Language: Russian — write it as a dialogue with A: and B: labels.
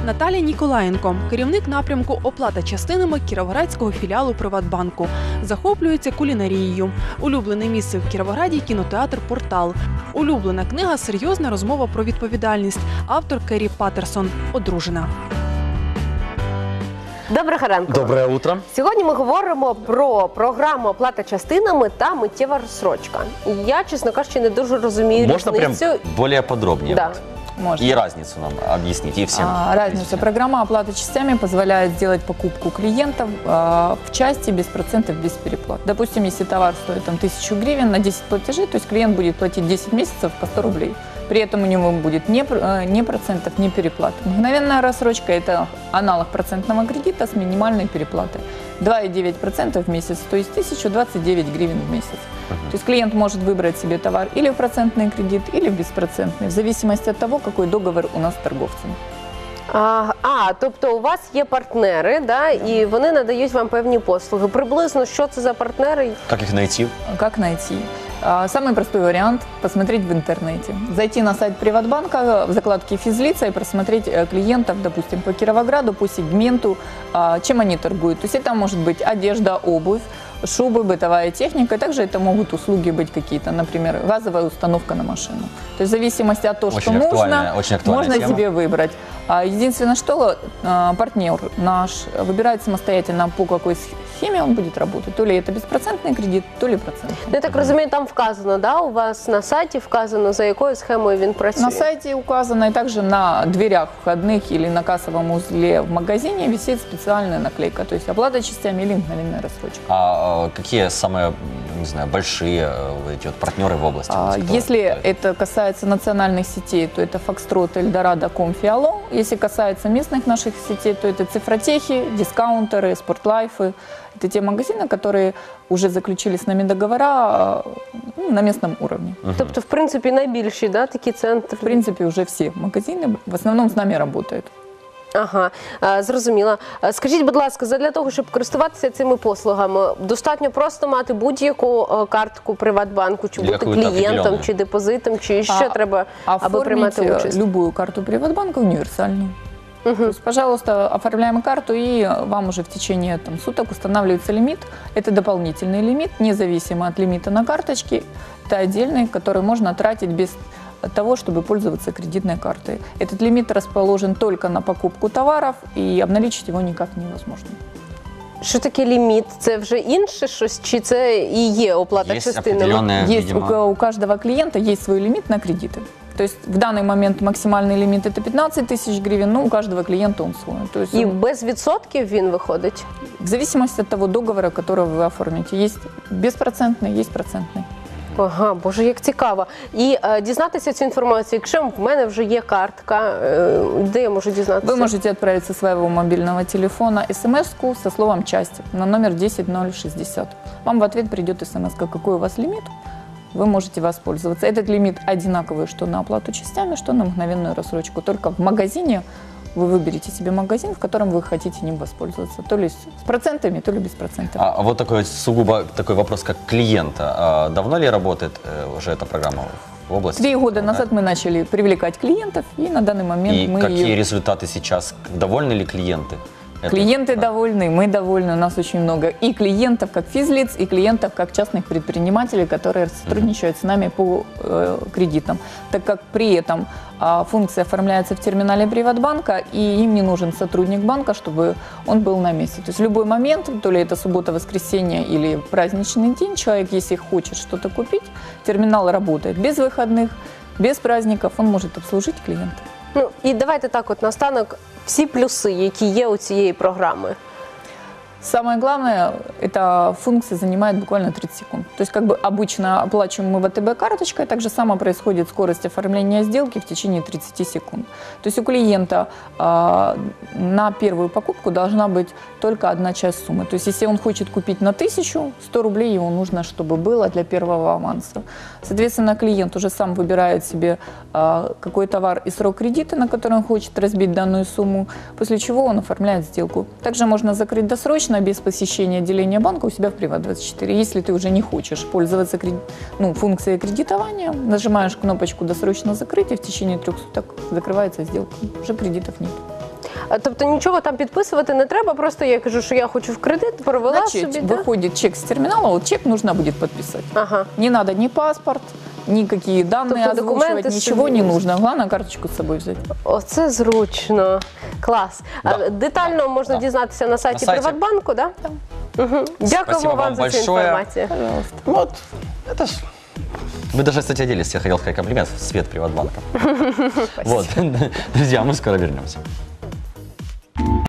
A: Наталія Ніколаєнко, керівник напрямку оплата частинами Кіровоградського філіалу Приватбанку. Захоплюється кулінарією. Улюблене місце в Кіровограді – кінотеатр «Портал». Улюблена книга «Серйозна розмова про відповідальність». Автор Керрі Паттерсон. Одружена.
B: Доброго ранку.
C: Доброе утро.
B: Сьогодні ми говоримо про програму оплата частинами та миттєва розсрочка. Я, чесно кажучи, не дуже розумію
C: Можно прям
B: різницю.
C: более подробнее?
B: Да.
C: Вот.
D: Можно.
C: И разницу нам объяснить, и всем.
D: Разница. Программа оплаты частями позволяет сделать покупку клиентов в части без процентов, без переплат. Допустим, если товар стоит 1000 гривен на 10 платежей, то есть клиент будет платить 10 месяцев по 100 рублей. При этом у него будет ни процентов, ни переплат. Мгновенная рассрочка – это аналог процентного кредита с минимальной переплатой. 2,9% в месяц, то есть 1029 гривен в месяц. То есть клиент может выбрать себе товар или в процентный кредит, или в беспроцентный, в зависимости от того, какой договор у нас с торговцем.
B: Тобто у вас є партнери, да, і вони надають вам певні послуги. Приблизно, що це за партнери?
C: Как их найти?
D: Как найти? Самый простой вариант – посмотреть в интернете. Зайти на сайт Приватбанка в закладке «Физлица» и просмотреть клиентов, допустим, по Кировограду, по сегменту, чем они торгуют. То есть это может быть одежда, обувь, шубы, бытовая техника. Также это могут услуги быть какие-то, например, газовая установка на машину. То есть в зависимости от того, что нужно, можно
C: тема.
D: себе выбрать. Единственное, что партнер наш выбирает самостоятельно, по какой схеме он будет работать. То ли это беспроцентный кредит, то ли процентный.
B: Я так розумію, там вказано, да, у вас на сайті вказано, за якою схемою він працює?
D: На сайте указано, и также на дверях входных или на кассовом узле в магазине висит специальная наклейка, то есть оплата частями или мгновенная рассрочка.
C: А какие самые, не знаю, большие эти вот партнеры в области?
D: Если это касается национальных сетей, то это Foxtrot, Эльдорадо, Комфиало. Если касается местных наших сетей, то это Цифротехи, дискаунтеры, Спортлайфы. Это те магазины, которые уже заключили с нами договора на местном уровне.
B: Тобто, в принципі, найбільші, да, такі центри?
D: В принципе, уже все магазины в основном с нами работают.
B: Ага, зрозуміла. Скажіть, будь ласка, задля того, щоб користуватися цими послугами, достатньо просто мати будь-яку картку Приватбанку, чи бути клієнтом, чи депозитом, чи ще треба, аби приймати участь?
D: Любую карту Приватбанка универсальную. То есть, пожалуйста, оформляем карту, и вам уже в течение суток устанавливается лимит. Это дополнительный лимит, независимо от лимита на карточке. Это отдельный, который можно тратить без того, чтобы пользоваться кредитной картой. Этот лимит расположен только на покупку товаров, и обналичить его никак невозможно.
B: Що таке ліміт? Це вже інше щось, чи це і є оплата частинами?
D: Есть у каждого клиента есть свой лимит на кредиты. То есть в данный момент максимальный лимит это 15 тысяч гривен, но у каждого клиента он свой. То есть
B: і без відсотків він виходить?
D: В зависимости от того договора, который вы оформите. Есть беспроцентный, есть процентный.
B: Ага, боже, як цікаво. І дізнатися цю інформацію, якщо в мене вже є картка, де я можу дізнатися?
D: Вы можете отправить со своего мобильного телефона смс-ку со словом «часть» на номер 10060. Вам в ответ придет смс, какой у вас лимит, вы можете воспользоваться. Этот лимит одинаковый что на оплату частями, что на мгновенную рассрочку. Только в магазине вы выберете себе магазин, в котором вы хотите ним воспользоваться. То ли с процентами, то ли без процентов.
C: А вот такой сугубо такой вопрос, как клиента. Давно ли работает уже эта программа в области?
D: 3 года назад мы начали привлекать клиентов, и на данный момент мы
C: какие результаты сейчас? Довольны ли клиенты?
D: Клиенты довольны, мы довольны, у нас очень много и клиентов как физлиц, и клиентов как частных предпринимателей, которые сотрудничают с нами по кредитам. Так как при этом функция оформляется в терминале Приватбанка, и им не нужен сотрудник банка, чтобы он был на месте. То есть в любой момент, то ли это суббота, воскресенье или праздничный день, человек, если хочет что-то купить, терминал работает без выходных, без праздников, он может обслужить клиента.
B: Ну, і давайте так от наостанок всі плюси, які є у цієї програми.
D: Самое главное, эта функция занимает буквально 30 секунд. То есть, как бы обычно оплачиваем мы ВТБ карточкой, так же само происходит скорость оформления сделки в течение 30 секунд. То есть у клиента на первую покупку должна быть только одна часть суммы. То есть если он хочет купить на 1000, 100 рублей ему нужно, чтобы было для первого аванса. Соответственно, клиент уже сам выбирает себе какой товар и срок кредита, на который он хочет разбить данную сумму, после чего он оформляет сделку. Также можно закрыть досрочно, без посещения отделения банка у себя в Приват24. Если ты уже не хочешь пользоваться функцией кредитования, нажимаешь кнопочку «Досрочно закрыть», и в течение 3 суток закрывается сделка. Уже кредитов нет.
B: Тобто нічого там підписувати не треба, просто я кажу, що я хочу в кредит, провела
D: Значит,
B: собі. Да?
D: выходит чек с терминала, вот чек нужно будет подписать.
B: Ага.
D: Не надо ни паспорт, никакие данные
B: Тобто
D: озвучивать,
B: документы
D: ничего
B: собі.
D: не нужно. Главное карточку с собой взять.
B: Оце зручно. Клас.
C: Да.
B: Детально можна
C: Да.
B: дізнатися на сайті
C: сайті.
B: Приватбанку, да? Угу. Дякуємо вам за цю
C: большое.
B: інформацію.
D: Пожалуйста.
C: Вот, это ж... Вы даже, кстати, оделись, я хотел сказать комплимент, в цвет Приватбанка. Вот, друзья, мы скоро вернемся.